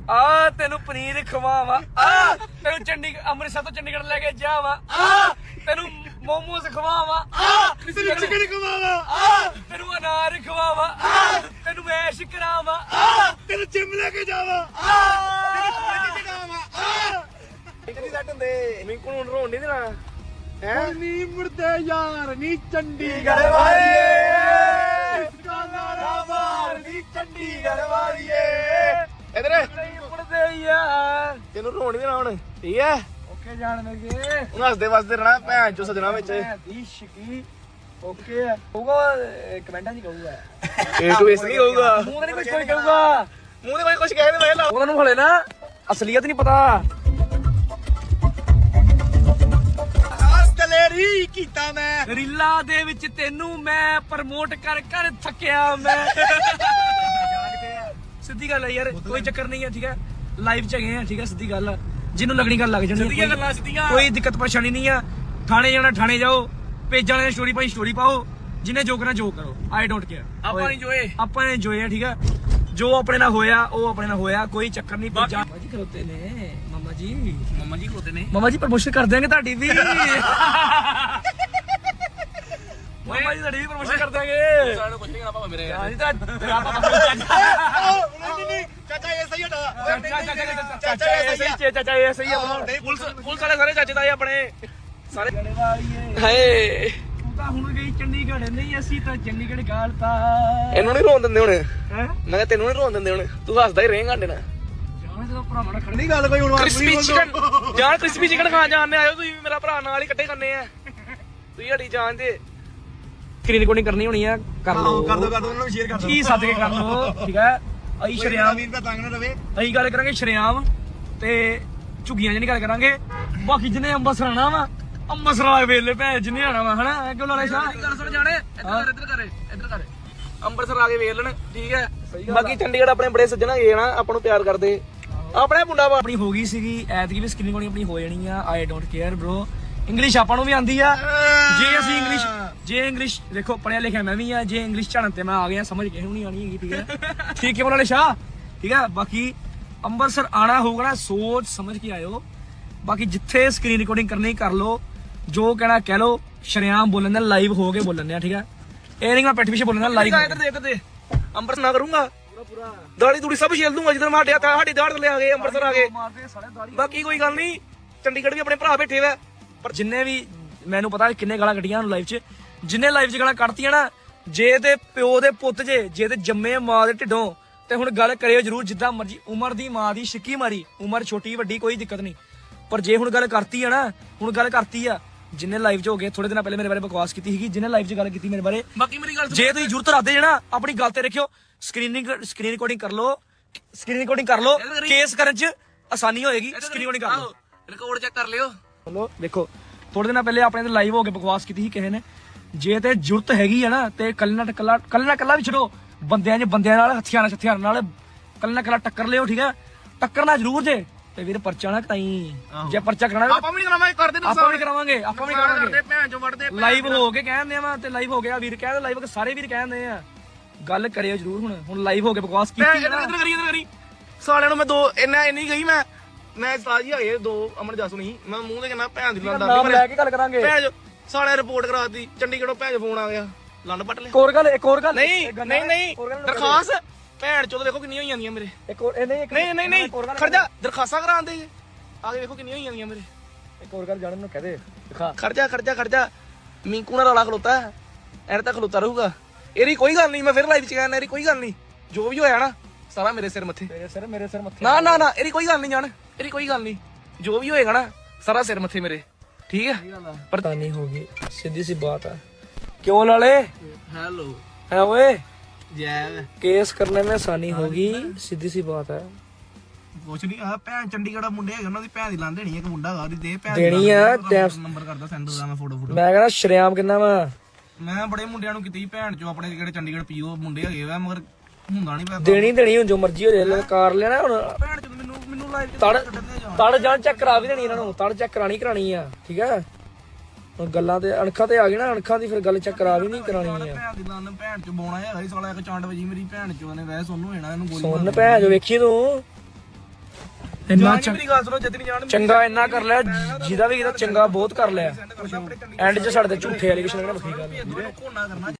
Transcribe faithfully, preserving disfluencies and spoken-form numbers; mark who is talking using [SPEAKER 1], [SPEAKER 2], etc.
[SPEAKER 1] ਆ ਤੈਨੂੰ ਪਨੀਰ ਖਵਾਵਾਂ ਆ ਤੈਨੂੰ ਚੰਡੀਗੜ੍ਹ ਅੰਮ੍ਰਿਤਸਰ ਤੋਂ ਚੰਡੀਗੜ੍ਹ ਲੈ ਕੇ ਜਾਵਾਂ ਆ ਤੈਨੂੰ ਮੋਮੋਸ ਖਵਾਵਾਂ ਆ ਤੈਨੂੰ ਚਿਕਨ ਖਵਾਵਾਂ ਆ ਤੈਨੂੰ ਅਨਾਰ ਖਵਾਵਾਂ ਆ ਤੈਨੂੰ ਮੈਸ਼ ਕਰਾਵਾਂ ਆ ਤੈਨੂੰ ਜਿਮ ਲੈ ਕੇ ਜਾਵਾਂ ਆ ਤੈਨੂੰ ਖਵਾਜੀ ਚੜਾਵਾਂ ਆ ਕਿੰਨੀ ਸੱਟ ਹੁੰਦੇ ਮਿੰਕੂ ਨੂੰ ਰੋਣ ਨਹੀਂ ਦੇਣਾ ਹੈ ਨੀ ਮੁਰਦੇ ਯਾਰ ਨੀ ਚੰਡੀਗੜ੍ਹ ਵਾਲੀਏ ਕਾਲਾ ਮਾਰ ਨੀ ਚੰਡੀਗੜ੍ਹ ਵਾਲੀਏ ਇਧਰ ਮੁਰਦੇ ਯਾਰ ਤੈਨੂੰ ਰੋਣ ਨਹੀਂ ਦੇਣਾ ਹੁਣ ਠੀਕ ਹੈ ਓਕੇ ਜਾਣ ਲੱਗੇ ਹੁਣ ਹੱਸਦੇ ਵਸਦੇ ਰਹਿਣਾ ਭੈਣ ਚੋ ਸਜਣਾ ਵਿੱਚ ਦੀ ਸ਼ਕੀ ਓਕੇ ਹੋਊਗਾ ਕਮੈਂਟਾਂ 'ਚ ਕਹੂਗਾ ਏ ਟੂ ਇਸ ਨਹੀਂ ਹੋਊਗਾ ਮੂੰਹ ਤੇ ਕੁਝ ਕੋਈ ਕਹੂਗਾ ਮੂੰਹ ਤੇ ਕੋਈ ਕੁਝ ਕਹੇ ਤੇ ਮੈਂ ਲਾ ਉਹਨਾਂ ਨੂੰ ਹਲੇ ਨਾ ਅਸਲੀਅਤ ਨਹੀਂ ਪਤਾ ਰੀ ਕੀਤਾ ਮੈਂ ਰੀਲਾ ਦੇ ਵਿੱਚ ਤੈਨੂੰ ਮੈਂ ਪ੍ਰਮੋਟ ਕਰ ਕਰ ਥੱਕਿਆ ਮੈਂ ਸਿੱਧੀ ਗੱਲ ਹੈ ਯਾਰ ਕੋਈ ਚੱਕਰ ਨਹੀਂ ਹੈ ਠੀਕ ਹੈ ਲਾਈਵ ਚ ਹੈਗੇ ਆ ਠੀਕ ਹੈ ਸਿੱਧੀ ਗੱਲ ਜਿਹਨੂੰ ਲੱਗਣੀ ਗੱਲ ਲੱਗ ਜਾਣੀ ਸਿੱਧੀਆਂ ਗੱਲਾਂ ਸਿੱਧੀਆਂ ਕੋਈ ਦਿੱਕਤ ਪਰੇਸ਼ਾਨੀ ਨਹੀਂ ਆ ਥਾਣੇ ਜਾਣਾ ਥਾਣੇ ਜਾਓ ਪੇਜਾਂ ਵਾਲੇ ਸਟੋਰੀ ਪਾਈ ਸਟੋਰੀ ਪਾਓ ਜਿਹਨੇ ਜੋ ਕਰਨਾ ਜੋ ਕਰੋ ਆਈ ਡੋਂਟ ਕੇਅਰ ਆਪਾਂ ਨੇ ਜੋਏ ਆਪਾਂ ਨੇ ਜੋਏ ਆ ਠੀਕ ਹੈ ਜੋ ਆਪਣੇ ਨਾਲ ਹੋਇਆ ਉਹ ਆਪਣੇ ਨਾਲ ਹੋਇਆ ਕੋਈ ਚੱਕਰ ਨਹੀਂ ਪੇਜਾਂ ਜੀ ਖਲੋਤੇ ਨੇ ਮਾਮਾ ਜੀ ਮਾਮਾ ਜੀ ਖਲੋਤੇ ਨੇ ਮਾਮਾ ਜੀ ਪ੍ਰਮੋਸ਼ਨ ਕਰ ਦਿਆਂਗੇ ਤੁਹਾਡੀ ਵੀ ਮਾਮਾ ਜੀ ਤੁਹਾਡੀ ਵੀ ਪ੍ਰਮੋਸ਼ਨ ਕਰ ਦਿਆਂਗੇ ਸਾਨੂੰ ਕੁਝ ਨਹੀਂ ਕਰਨਾ ਮੇਰੇ ਹਾਂ ਜੀ ਤਾਂ ਨਹੀਂ ਨਹੀਂ ਚਾਚਾ ਇਹ ਸਹੀ ਹਟਾ ਚਾਚਾ ਚਾਚਾ ਇਹ ਸਹੀ ਚਾਚਾ ਇਹ ਸਹੀ ਆ ਪੁਲਿਸ ਪੁਲਿਸ ਵਾਲੇ ਸਾਰੇ ਚਾਚੇ ਤਾਏ ਆਪਣੇ ਸਾਰੇ ਹਾਏ ਤੂੰ ਤਾਂ ਹੁਣ ਗਈ ਚੰਡੀਗੜ੍ਹ ਨਹੀਂ ਅਸੀਂ ਤਾਂ ਚੰਡੀਗੜ੍ਹ ਗਾਲਤਾ ਇਹਨੂੰ ਨਹੀਂ ਰੋਣ ਦਿੰਦੇ ਹੁਣ ਹੈ ਮੈਂ ਕਿਹਾ ਤੈਨੂੰ ਨਹੀਂ ਰੋਣ ਦਿੰਦੇ ਹੁਣ ਤੂੰ ਹੱਸਦਾ ਹੀ ਰਹੇਂਗਾ ਸਾਡੇ ਨਾਲ ਭਰਾ ਖੜੀ ਗੱਲ ਕੋਈ ਹੁਣ ਕ੍ਰਿਸਪੀ ਚਿਕਨ ਜਾਨ ਕ੍ਰਿਸਪੀ ਚਿਕਨ ਖਾਣ ਜਾਣਦੇ ਆਇਓ ਤੁਸੀਂ ਮੇਰਾ ਭਰਾ ਨਾਲ ਹੀ ਇਕੱਠੇ ਕਰਨੇ ਆ ਤੁਸੀਂ ਹੜੀ ਜਾਣਦੇ ਸਕਰੀਨ ਰਿਕਾਰਡਿੰਗ ਕਰਨੀ ਹੋਣੀ ਆ ਕਰ ਲਓ ਕਰ ਦੋ ਕਰ ਦੋ ਉਹਨਾਂ ਨੂੰ ਸ਼ੇਅਰ ਕਰ ਦੋ ਕੀ ਸੱਦ ਕੇ ਕਰ ਲਓ ਠੀਕ ਹੈ ਅਸੀਂ ਸ਼ਰਿਆਮ ਵੀਰ ਦਾ ਤੰਗ ਨਾ ਰਵੇ ਅਸੀਂ ਗੱਲ ਕਰਾਂਗੇ ਸ਼ਰਿਆਮ ਤੇ ਝੁੱਗੀਆਂ ਜਿਹੀ ਗੱਲ ਕਰਾਂਗੇ ਬਾਕੀ ਜਿਹਨੇ ਅੰਬਰਸਰ ਆਣਾ ਵਾ ਅੰਬਰਸਰ ਵਾਲੇ ਵੇਲੇ ਭੈ ਜਿਹਨੇ ਆਣਾ ਵਾ ਹਨਾ ਕਿਉਂ ਲਾਲੇ ਸ਼ਾਹ ਗੱਲ ਸੁਣ ਜਾਣੇ ਇੱਧਰ ਇੱਧਰ ਕਰੇ ਇੱਧਰ ਕਰੇ ਅੰਬਰਸਰ ਆ ਕੇ ਵੇਖ ਲੈਣ ਠੀਕ ਹੈ ਬਾਕੀ ਚੰਡੀਗੜ੍ਹ ਆਪਣੇ ਬੜੇ ਸੱਜਣ ਹੈਗੇ ਨਾ ਆਪਾਂ ਨੂੰ ਪਿਆਰ ਕਰਦੇ ਆਪਣੇ ਮੁੰਡਾ ਆਪਣੀ ਹੋ ਗਈ ਸੀਗੀ ਐਤਕੀ ਵੀ ਸਕਰੀਨ ਕੋਣੀ ਆਪਣੀ ਹੋ ਜਾਣੀ ਆ I don't care bro English ਆਪਾਂ ਨੂੰ ਵੀ ਆਂਦੀ ਆ ਜੇ ਅਸੀਂ ਇੰਗਲਿਸ਼ ਜੇ ਇੰਗਲਿਸ਼ ਦੇਖੋ ਪੜਿਆ ਲਿਖਿਆ ਮੈਂ ਵੀ ਆ ਜੇ ਇੰਗਲਿਸ਼ ਝੜਨ ਤੇ ਮੈਂ ਆ ਗਿਆ ਸਮਝ ਕਿਸੇ ਨੂੰ ਨਹੀਂ ਆਣੀ ਹੈਗੀ ਠੀਕ ਹੈ ਠੀਕ ਹੈ ਵਾਲੇ ਸ਼ਾਹ ਠੀਕ ਹੈ ਬਾਕੀ ਅੰਮ੍ਰਿਤਸਰ ਆਣਾ ਹੋਊਗਾ ਨਾ ਸੋਚ ਸਮਝ ਕੇ ਆਇਓ ਬਾਕੀ ਜਿੱਥੇ ਸਕਰੀਨ ਰਿਕਾਰਡਿੰਗ ਕਰਨੀ ਕਰ ਲਓ ਜੋ ਕਹਿਣਾ ਕਹਿ ਲਓ ਸ਼ਰਿਆਮ ਬੋਲਣ ਦਾ ਲਾਈਵ ਹੋ ਕੇ ਬੋਲਣ ਦਾ ਠੀਕ ਹੈ ਇਹ ਨਹੀਂ ਮੈਂ ਪਿੱਠ ਪਿੱਛੇ ਬੋਲਣਾ ਲਾਈਵ ਇੱਧਰ ਦੇ ਇੱਧਰ ਦੇ ਅੰਮ੍ਰਿਤਸਰ ਨਾ ਕਰੂੰਗਾ ਪੂਰਾ ਦਾੜੀ ਦੂੜੀ ਸਭ ਛੇਲ ਦੂੰਗਾ ਜਦੋਂ ਮਾਟਿਆ ਤਾਂ ਸਾਡੀ ਦਾੜ ਥੱਲੇ ਆ ਗਏ ਅੰਮ੍ਰਿਤਸਰ ਆ ਗਏ ਬਾਕੀ ਕੋਈ ਗੱਲ ਨਹੀਂ ਚੰਡੀਗੜ੍ਹ ਵੀ ਆਪਣੇ ਭਰਾ ਬੈਠੇ ਵਾ ਪਰ ਜਿੰਨੇ ਵੀ ਮੈਨੂੰ ਪਤਾ ਕਿੰਨੇ ਗਾਲਾਂ ਕੱਢੀਆਂ ਲਾਈਵ 'ਚ ਜਿੰਨੇ ਲਾਈਵ 'ਚ ਗਾਲਾਂ ਕੱਢਤੀਆਂ ਨਾ ਜੇ ਤੇ ਪਿਓ ਦੇ ਪੁੱਤ ਜੇ ਜੇ ਤੇ ਜੰਮੇ ਮਾਂ ਦੇ ਢਿੱਡੋਂ ਤੇ ਹੁਣ ਗੱਲ ਕਰਿਓ ਜਰੂਰ ਜਿੱਦਾਂ ਮਰਜੀ ਉਮਰ ਦੀ ਮਾਂ ਦੀ ਛਿੱਕੀ ਮਾਰੀ ਉਮਰ ਛੋਟੀ ਵੱਡੀ ਕੋਈ ਦਿੱਕਤ ਨਹੀਂ ਪਰ ਜੇ ਹੁਣ ਗੱਲ ਕਰਤੀ ਆ ਨਾ ਹੁਣ ਗੱਲ ਕਰਤੀ ਆ ਜਿੰਨੇ ਲਾਈਵ 'ਚ ਹੋ ਗਏ ਥੋੜੇ ਦਿਨਾਂ ਪਹਿਲੇ ਮੇਰੇ ਬਾਰੇ ਬਕਵਾਸ ਕੀਤੀ ਸੀਗੀ ਜਿੰਨੇ ਲਾਈਵ 'ਚ ਗੱਲ ਕੀਤੀ ਮੇਰੇ ਬਾਰੇ ਬਾਕੀ ਮੇਰੀ ਗੱਲ ਜੇ ਤੁਸੀਂ ਜ਼ਰੂਰਤ ਰੱਖਦੇ ਜੇ ਨਾ ਆਪਣੀ ਗੱਲ ਤੇ ਰੱਖਿਓ ਸਕਰੀਨਿੰਗ ਸਕਰੀਨ ਰਿਕਾਰਡਿੰਗ ਕਰ ਲਓ ਸਕਰੀਨ ਰਿਕਾਰਡਿੰਗ ਕਰ ਲਓ ਕੇਸ ਕਰਨ 'ਚ ਆਸਾਨੀ ਹੋਏਗੀ ਸਕਰੀਨ ਰਿਕਾਰਡਿੰਗ ਕਰ ਲਓ ਰਿਕਾਰਡ ਚੈੱਕ ਕਰ ਲਿਓ ਚਲੋ ਦੇਖੋ ਥੋੜੇ ਦਿਨਾਂ ਪਹਿਲੇ ਆਪਣੇ ਤੇ ਲਾਈਵ ਹੋ ਕੇ ਬਕਵਾਸ ਕੀਤੀ ਸੀ ਕਿਸੇ ਨੇ ਜੇ ਤੇ ਜ਼ਰੂਰਤ ਹੈਗੀ ਆ ਨਾ ਤੇ ਕੱਲ ਨਾ ਕੱਲਾ ਕੱਲ ਨਾ ਕੱਲਾ ਵੀ ਛੱਡੋ ਬੰਦਿਆਂ 'ਚ ਬੰਦਿਆਂ ਨਾਲ ਹਥਿਆਰਾਂ ਹਥਿਆਰਾਂ ਨਾਲ ਕੱਲ ਨਾ ਕੱਲਾ ਟੱਕਰ ਲਿਓ ਠੀਕ ਹੈ ਟੱਕਰਨਾ ਜ਼ਰੂਰ ਜੇ ਤੇ ਵੀਰ ਪਰਚਾ ਨਾ ਕਰਾਈ ਜੇ ਪਰਚਾ ਕਰਾਣਾ ਆਪਾਂ ਵੀ ਕਰਾਵਾਂਗੇ ਕਰਦੇ ਨੇ ਆਪਾਂ ਵੀ ਕਰਾਵਾਂਗੇ ਆਪਾਂ ਵੀ ਕਰਾਵਾਂਗੇ ਭੈਣ ਚੋਂ ਵੜਦੇ ਲਾਈਵ ਹੋ ਕੇ ਕਹਿੰਦੇ ਆ ਤੇ ਲਾਈਵ ਹੋ ਗਿਆ ਵੀਰ ਕਹਿੰਦੇ ਲਾਈਵ ਸਾਰੇ ਵੀਰ ਕਹਿੰਦੇ ਆ ਗੱਲ ਕਰਿਓ ਜ਼ਰੂਰ ਹੁਣ ਹੁਣ ਲਾਈਵ ਹੋ ਕੇ ਬਕਵਾਸ ਕੀਤੀ ਇੱਧਰ ਇੱਧਰ ਕਰੀ ਇੱਧਰ ਕਰੀ ਸਾਲਿਆਂ ਨੂੰ ਮੈਂ ਦੋ ਇੰਨਾ ਇੰਨੀ ਗਈ ਮੈਂ ਮੈਂ ਸਾਜੀ ਹੈਗੇ ਦੋ ਅਮਨ ਜਾਸੂ ਨਹੀਂ ਮੈਂ ਮੂੰਹ ਤੇ ਕਹਿੰਦਾ ਭੈਣ ਦੀ ਲੰਦਾ ਨਾਮ ਲੈ ਕੇ ਗੱਲ ਕਰਾਂਗੇ ਭੈਣ ਸਾਲਿਆਂ ਰਿਪੋਰਟ ਕਰਾਤੀ ਚੰਡੀਗੜ੍ਹੋਂ ਭੈਣ ਫੋਨ ਆ ਗਿਆ ਲੰਡ ਪੱਟ ਲੈ ਇੱਕ ਹੋਰ ਗੱਲ ਇੱਕ ਹੋਰ ਗੱਲ ਨਹੀਂ ਨਹੀਂ ਨਹੀਂ ਦਰਖਾਸਤ ਭੈਣ ਚੋਦ ਦੇਖੋ ਕਿੰਨੀਆਂ ਹੋਈ ਜਾਂਦੀਆਂ ਮੇਰੇ ਇੱਕ ਹੋਰ ਨਹੀਂ ਨਹੀਂ ਨਹੀਂ ਨਹੀਂ ਖਰਜਾ ਦਰਖਾਸਤਾਂ ਕਰਾਉਂਦੇ ਜੇ ਆ ਕੇ ਵੇਖੋ ਕਿੰਨੀਆਂ ਹੋਈ ਜਾਂਦੀਆਂ ਮੇਰੇ ਇੱਕ ਹੋਰ ਗੱਲ ਜਾਣਨ ਨੂੰ ਕਹਦੇ ਦਿਖਾ ਖਰਜਾ ਖਰਜਾ ਖਰਜਾ ਮਿੰਕੂ ਨਾਲ ਰੌਲਾ ਖਲੋਤਾ ਐਨ ਤਾਂ ਖਲੋਤਾ ਰਹੂਗਾ ਇਹਦੀ ਕੋਈ ਗੱਲ ਨਹੀਂ ਮੈਂ ਫਿਰ ਲਾਈਵ ਚ ਕਹਿੰਦਾ ਇਹਦੀ ਕੋਈ ਗੱਲ ਨਹੀਂ ਜੋ ਵੀ ਹੋਇਆ ਨਾ ਸਾਰਾ ਮੇਰੇ ਸਿਰ ਮੱਥੇ ਮੇਰੇ ਸਿਰ ਮੇਰੇ ਸਿਰ ਮੱਥੇ ਨਾ ਨਾ ਨਾ ਇਹਦੀ ਕੋਈ ਗੱਲ ਨਹੀਂ ਜਾਣ ਇਹਦੀ ਕੋਈ ਗੱਲ ਨਹੀਂ ਜੋ ਵੀ ਹੋਏਗਾ ਨਾ ਸਾਰਾ ਸਿਰ ਮੱਥੇ ਮੇਰੇ ਠੀਕ ਹੈ ਪਤਾ ਨਹੀਂ ਹੋਗੀ ਸਿੱਧੀ ਸੀ ਬਾਤ ਹੈ क्यों लाले हेलो है ओए केस करने में आसानी होगी सीधी सी बात है ਕੁਛ ਨਹੀਂ ਆ ਭੈਣ ਚੰਡੀਗੜ੍ਹ ਮੁੰਡੇ ਹੈਗੇ ਉਹਨਾਂ ਦੀ ਭੈਣ ਦੀ ਲਾਂ ਦੇਣੀ ਇੱਕ ਮੁੰਡਾ ਹੈਗਾ ਉਹਦੀ ਦੇ ਭੈਣ ਦੇਣੀ ਆ ਨੰਬਰ ਕਰਦਾ ਸੈਂਡ ਦਾ ਮੈਂ ਫੋਟੋ ਫੋਟੋ ਮੈਂ ਕਹਿੰਦਾ ਸ਼ਰਿਆਮ ਕਿੰਨਾ ਵਾ ਮੈਂ ਬੜੇ ਮੁੰਡਿਆਂ ਨੂੰ ਕੀਤੀ ਭੈਣ ਚੋਂ ਆਪਣੇ ਜਿਹੜੇ ਚੰਡੀਗੜ੍ਹ ਪੀਓ ਮੁੰਡੇ ਹੈਗੇ ਵਾ ਮਗਰ ਹੁੰਦਾ ਨਹੀਂ ਪੈਸਾ ਦੇਣੀ ਦੇਣੀ ਹੁਣ ਜੋ ਮਰਜ਼ੀ ਹੋ ਜਾਏ ਕਾਰ ਲੈਣਾ ਹੁਣ ਭੈਣ ਚੋਂ ਮੈਨੂੰ ਮੈਨੂੰ ਲਾਈਵ ਤੜ ਤੜ ਜਾਣ ਚੈੱਕ ਕਰਾ ਵੀ ਦੇਣੀ ਇਹਨਾਂ ਨੂੰ ਤੜ ਚੈੱਕ ਕਰਾਣੀ ਕਰਾਣੀ ਆ ਠੀਕ ਹੈ ਗੱਲਾਂ ਤੇ ਅਣਖਾਂ ਤੇ ਆ ਗਏ ਨਾ ਅਣਖਾਂ ਦੀ ਫਿਰ ਗੱਲ ਚੈੱਕ ਕਰਾ ਵੀ ਨਹੀਂ ਕਰਾਣੀ ਆ ਭੈਣ ਦੀ ਲੰਨ ਭੈਣ ਚ ਬੋਣਾ ਹੈਗਾ ਸਾਲਾ ਇੱਕ ਚੰਡ ਵਜੀ ਮੇਰੀ ਭੈਣ ਚੋਂ ਨੇ ਵੈਸੇ ਸੋਨੂੰ ਹੋਣਾ ਇਹਨੂੰ ਗੋਲੀ ਸੁਣ ਭੈਣ ਜੋ ਵੇਖੀ ਤੂੰ ਇੰਨਾ ਮੇਰੀ ਗੱਲ ਸੁਣੋ ਜਿੱਤਨੀ ਜਾਣ ਚੰਗਾ ਇੰਨਾ ਕਰ ਲਿਆ ਜਿਹਦਾ ਵੀ ਕੀਤਾ ਚੰਗਾ ਬਹੁਤ ਕਰ ਲਿਆ ਐਂਡ 'ਚ ਸਾਡੇ ਤੇ ਝੂਠੇ ਐਲੀਗੇਸ਼ਨ ਨਾਲ ਵੱਖਰੀ ਗੱਲ